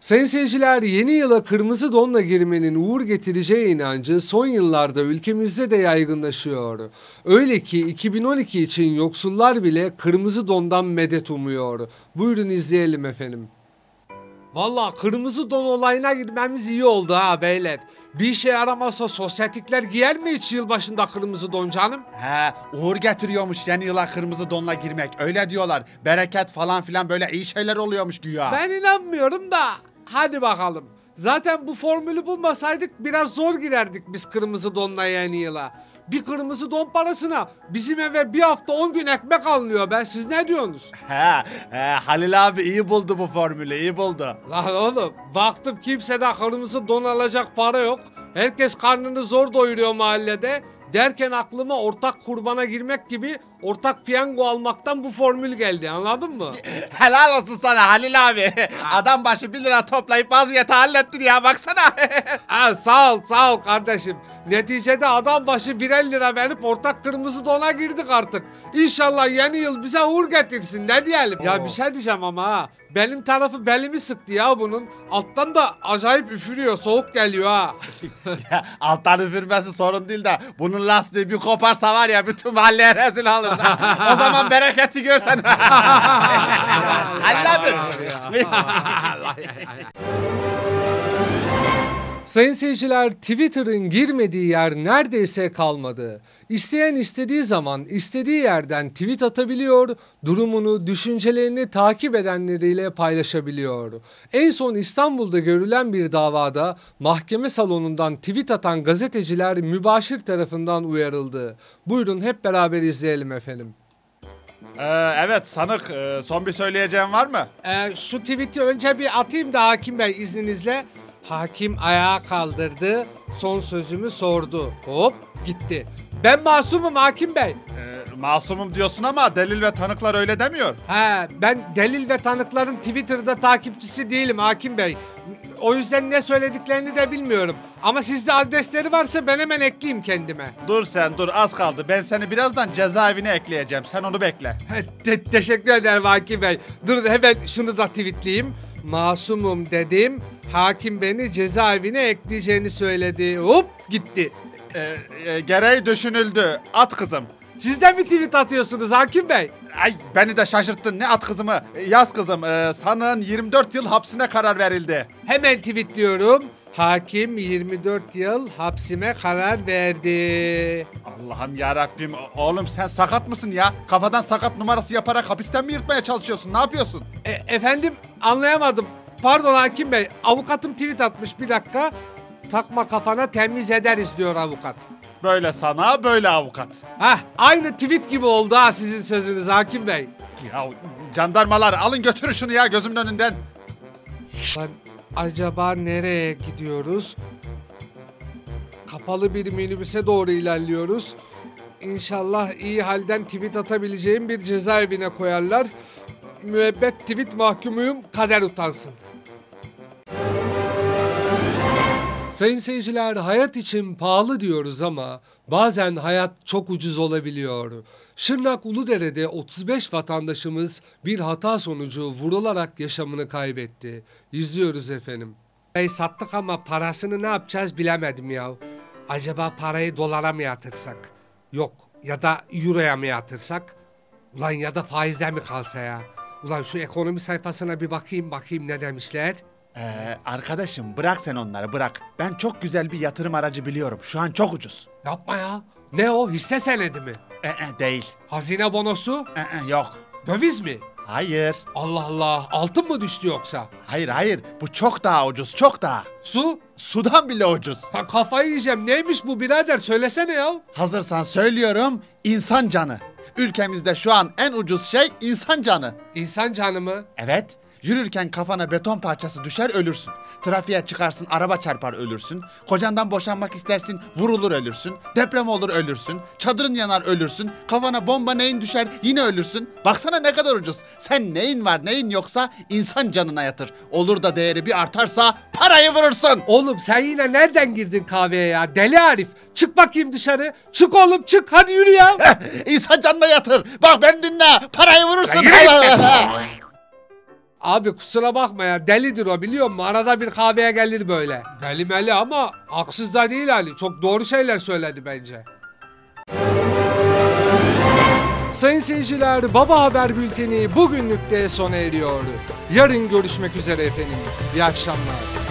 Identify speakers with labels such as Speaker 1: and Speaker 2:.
Speaker 1: Sayın seyirciler, yeni yıla kırmızı donla girmenin uğur getireceği inancı son yıllarda ülkemizde de yaygınlaşıyor. Öyle ki 2012 için yoksullar bile kırmızı dondan medet umuyor. Buyurun izleyelim efendim. Vallahi kırmızı don olayına girmemiz iyi oldu ha beyler. Bir işe yaramazsa sosyetikler giyer mi hiç yılbaşında kırmızı don canım?
Speaker 2: He, uğur getiriyormuş yeni yıla kırmızı donla girmek. Öyle diyorlar. Bereket falan filan böyle iyi şeyler oluyormuş güya.
Speaker 1: Ben inanmıyorum da hadi bakalım. Zaten bu formülü bulmasaydık biraz zor girerdik biz kırmızı donla yeni yıla. Bir kırmızı don parasına bizim eve bir hafta 10 gün ekmek alınıyor be. Siz ne diyorsunuz?
Speaker 2: Halil abi iyi buldu bu formülü, iyi buldu.
Speaker 1: Lan oğlum baktım kimsede kırmızı don alacak para yok. Herkes karnını zor doyuruyor mahallede. Derken aklıma ortak kurbana girmek gibi ortak piyango almaktan bu formül geldi, anladın mı?
Speaker 2: Helal olsun sana Halil abi. Adam başı 1 lira toplayıp vaziyeti hallettin ya baksana.
Speaker 1: Sağ ol kardeşim. Neticede adam başı 1 lira verip ortak kırmızı dona girdik artık. İnşallah yeni yıl bize uğur getirsin, ne diyelim. Ya bir şey diyeceğim ama ha. Benim tarafı belimi sıktı ya bunun. Alttan da acayip üfürüyor, soğuk geliyor ha.
Speaker 2: Ya, alttan üfürmesi sorun değil de bunun lastiği bir koparsa var ya bütün mahalleye rezil olur. O zaman bereketi görsen. Halil abi.
Speaker 1: Sayın seyirciler, Twitter'ın girmediği yer neredeyse kalmadı. İsteyen istediği zaman istediği yerden tweet atabiliyor, durumunu, düşüncelerini takip edenleriyle paylaşabiliyor. En son İstanbul'da görülen bir davada mahkeme salonundan tweet atan gazeteciler mübaşir tarafından uyarıldı. Buyurun hep beraber izleyelim efendim.
Speaker 2: Evet sanık, son bir söyleyeceğim var mı?
Speaker 1: Şu tweet'i önce bir atayım da hakim bey izninizle. Hakim ayağa kaldırdı, son sözümü sordu. Hop gitti. Ben masumum hakim bey.
Speaker 2: Masumum diyorsun ama delil ve tanıklar öyle demiyor.
Speaker 1: Ben delil ve tanıkların Twitter'da takipçisi değilim hakim bey. O yüzden ne söylediklerini de bilmiyorum. Ama sizde adresleri varsa ben hemen ekleyeyim kendime.
Speaker 2: Dur sen dur, az kaldı. Ben seni birazdan cezaevine ekleyeceğim. Sen onu bekle.
Speaker 1: Teşekkür ederim hakim bey. Dur hemen şunu da tweetleyeyim. Masumum dedim. Hakim beni cezaevine ekleyeceğini söyledi. Hop gitti.
Speaker 2: Gereği düşünüldü. At kızım.
Speaker 1: Siz de mi tweet atıyorsunuz hakim bey?
Speaker 2: Ay beni de şaşırttın. Ne at kızımı? Yaz kızım. Sanığın 24 yıl hapsine karar verildi.
Speaker 1: Hemen tweetliyorum. Hakim 24 yıl hapsime karar verdi.
Speaker 2: Allah'ım yarabbim. Oğlum sen sakat mısın ya? Kafadan sakat numarası yaparak hapisten mi yırtmaya çalışıyorsun? Ne yapıyorsun?
Speaker 1: Efendim anlayamadım. Pardon hakim bey. Avukatım tweet atmış, bir dakika. Takma kafana temiz ederiz diyor avukat.
Speaker 2: Böyle sana böyle avukat.
Speaker 1: Aynı tweet gibi oldu ha sizin sözünüz hakim bey.
Speaker 2: Ya jandarmalar alın götürün şunu ya gözümün önünden.
Speaker 1: Lan acaba nereye gidiyoruz? Kapalı bir minibüse doğru ilerliyoruz. İnşallah iyi halden tweet atabileceğim bir cezaevine koyarlar. Müebbet tweet mahkumuyum, kader utansın. Sayın seyirciler, hayat için pahalı diyoruz ama bazen hayat çok ucuz olabiliyor. Şırnak Uludere'de 35 vatandaşımız bir hata sonucu vurularak yaşamını kaybetti. İzliyoruz efendim. Sattık ama parasını ne yapacağız bilemedim ya. Acaba parayı dolara mı yatırsak? Yok, ya da euroya mı yatırsak? Ulan ya da faizden mi kalsa ya? Ulan şu ekonomi sayfasına bir bakayım ne demişler?
Speaker 2: Arkadaşım bırak sen onları bırak. Ben çok güzel bir yatırım aracı biliyorum. Şu an çok ucuz.
Speaker 1: Yapma ya. Ne o? Hisse senedi mi?
Speaker 2: Değil.
Speaker 1: Hazine bonosu?
Speaker 2: Yok.
Speaker 1: Döviz mi?
Speaker 2: Hayır.
Speaker 1: Allah Allah. Altın mı düştü yoksa?
Speaker 2: Hayır. Bu çok daha ucuz. Çok daha.
Speaker 1: Su?
Speaker 2: Sudan bile ucuz.
Speaker 1: Kafayı yiyeceğim. Neymiş bu birader? Söylesene ya.
Speaker 2: Hazırsan söylüyorum. İnsan canı. Ülkemizde şu an en ucuz şey insan canı.
Speaker 1: İnsan canı mı?
Speaker 2: Evet. Yürürken kafana beton parçası düşer ölürsün. Trafiğe çıkarsın araba çarpar ölürsün. Kocandan boşanmak istersin vurulur ölürsün. Deprem olur ölürsün. Çadırın yanar ölürsün. Kafana bomba neyin düşer yine ölürsün. Baksana ne kadar ucuz. Sen neyin var neyin yoksa insan canına yatır. Olur da değeri bir artarsa parayı vurursun.
Speaker 1: Oğlum sen yine nereden girdin kahveye ya? Deli Arif. Çık bakayım dışarı. Çık oğlum çık. Hadi yürü ya.
Speaker 2: İnsan canına yatır. Bak ben dinle. Parayı vurursun.
Speaker 1: Abi kusura bakma ya, delidir o, biliyor musun? Arada bir kahveye gelir böyle. Deli meli ama haksız da değil Ali. Çok doğru şeyler söyledi bence. Sayın seyirciler, Baba Haber Bülteni bugünlük de sona eriyor. Yarın görüşmek üzere efendim. İyi akşamlar.